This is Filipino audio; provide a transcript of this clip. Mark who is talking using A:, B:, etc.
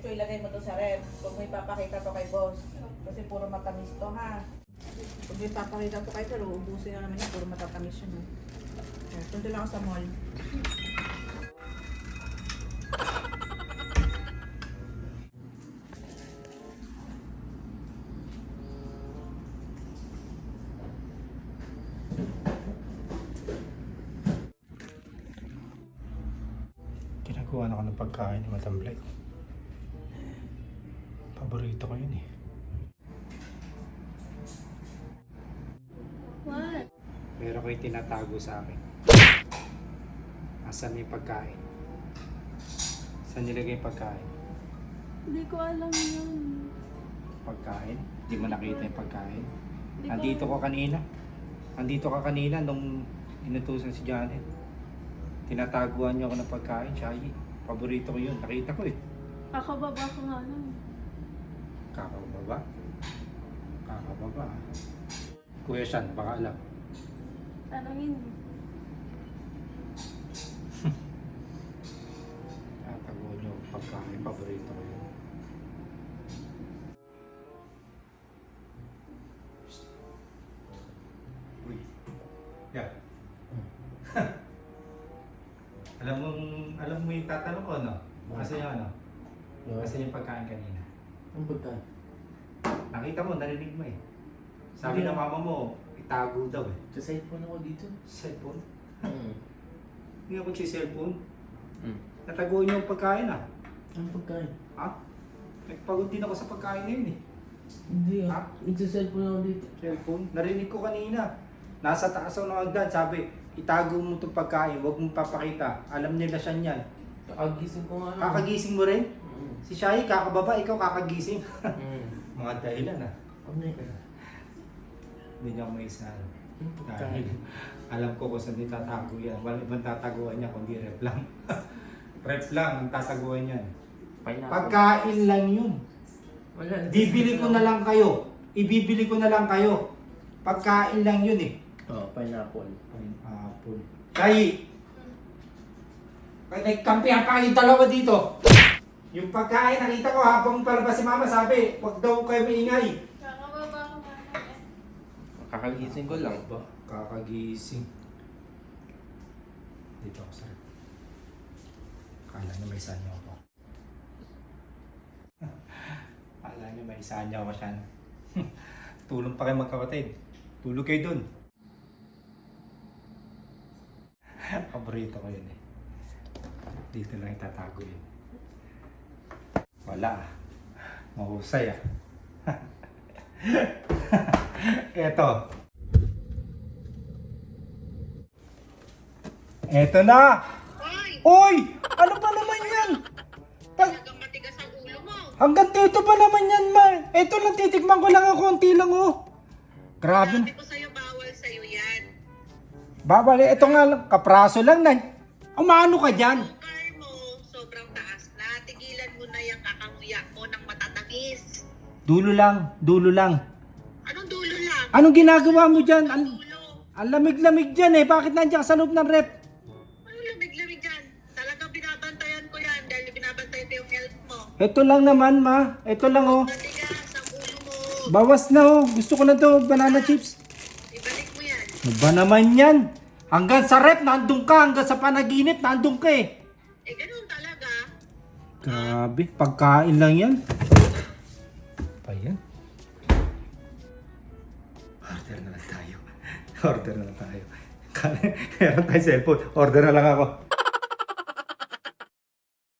A: ko ilagay mo to sa ref. Huwag mo ipapakita to kay boss. Kasi puro matamis to ha. Huwag mo ipapakita to kay sir, uubusin na naman yun. Puro matatamis yun. Punta lang ako sa mall.
B: Ginagawa na ako ng pagkain ni Madam Black. Paborito ko yun eh.
C: What?
B: Meron ko yung tinatago sa akin. Asan yung pagkain? Saan nilagay yung pagkain?
C: Hindi ko alam yun.
B: Pagkain? Hindi mo nakita yung pagkain?
C: Hindi
B: Andito ko kanina. Andito ka kanina nung inutusan si Janet. Tinataguan niyo ako ng pagkain, Shaggy. Paborito ko yun. Nakita ko eh.
C: Kakababa ko nga lang.
B: Kakababa? Kakababa. Kuya Sean, baka alam.
C: Tanongin.
B: Tataguan niyo ang pagkain. Paborito ko yun. Uy. Yeah. alam mo yung tatanong ko, no? Kasi yung ano? Kasi yung pagkain kanina.
D: Ang pagkain?
B: Nakita mo, narinig mo eh. Sabi ng mama mo, itago daw eh.
D: Sa cellphone ako dito.
B: Cellphone?
D: Hmm.
B: Hindi ako si cellphone. Nataguan niyo yung pagkain ah.
D: Ang pagkain?
B: Ha? Nagpagod din ako sa pagkain ngayon eh.
D: Hindi
B: Ha?
D: ah. Sa cellphone ako dito.
B: Cellphone? Narinig ko kanina. Nasa taas ako ng hagdan, sabi, itago mo itong pagkain, huwag mong papakita. Alam nila siya niyan.
D: Kakagising ko nga lang.
B: Kakagising mo rin?
D: Hmm.
B: Si Shai, kakababa, ikaw kakagising.
D: Hmm.
B: Mga dahilan ah.
D: Ano yun?
B: Hindi niya ako maisa.
D: Ang
B: Dahil
D: pagkain?
B: alam ko kung saan tatago yan. Walang ibang tataguan niya kundi rep lang. Rep lang ang tataguan niyan.
D: Pineapple.
B: Pagkain lang yun.
D: Wala.
B: Bibili ko na lang kayo. Ibibili ko na lang kayo. Pagkain lang yun eh.
D: Oh, pineapple.
B: Pineapple. Kay nagkampihan pa kayong dalawa dito. Yung pagkain nakita ko habang palabas si mama sabi, wag daw kayo maingay.
C: Kakababa ko nga lang eh.
D: Kakagising ko lang.
B: Ba? Kakagising. Dito ako sa rep. Kala niya may sanyo ako. Kala niya may sanyo ako siya. Tulong pa kayo magkapatid. Tulog kayo dun. Paborito ko yun eh. Dito lang itatago yun. Wala ah. Mahusay ah. Eto. Eto na! Oy! Ano ba naman yan?
A: Talagang matigas ang ulo mo.
B: Hanggang dito pa naman yan, ma. Eto lang, titikman ko lang ang konti lang, oh. Grabe na.
A: Sabi ko sa'yo, bawal sa'yo yan.
B: Babali, eto nga lang, kapraso lang na. Umano ka dyan?
A: Sugar mo, sobrang taas na. Tigilan mo na yung kakanguya mo ng matatamis.
B: Dulo lang, dulo lang.
A: Anong dulo lang?
B: Anong ginagawa mo dyan?
A: Dulo.
B: Ang lamig-lamig dyan eh. Bakit nandiyan ka sa loob ng rep?
A: Ano lamig-lamig dyan? Talagang binabantayan ko yan dahil binabantayan ko yung health mo.
B: Eto lang naman, ma. Eto lang, oh.
A: Matigas ang ulo mo.
B: Bawas na, oh. Gusto ko na to, banana chips.
A: Ibalik mo yan.
B: Ano ba naman yan? Hanggang sa rep, nandun ka. Hanggang sa panaginip, nandun ka eh.
A: Eh, ganun talaga.
B: Grabe, pagkain lang yan. Pa yan? Order na lang tayo. Order na lang tayo. Meron tayo cellphone. Order na lang ako.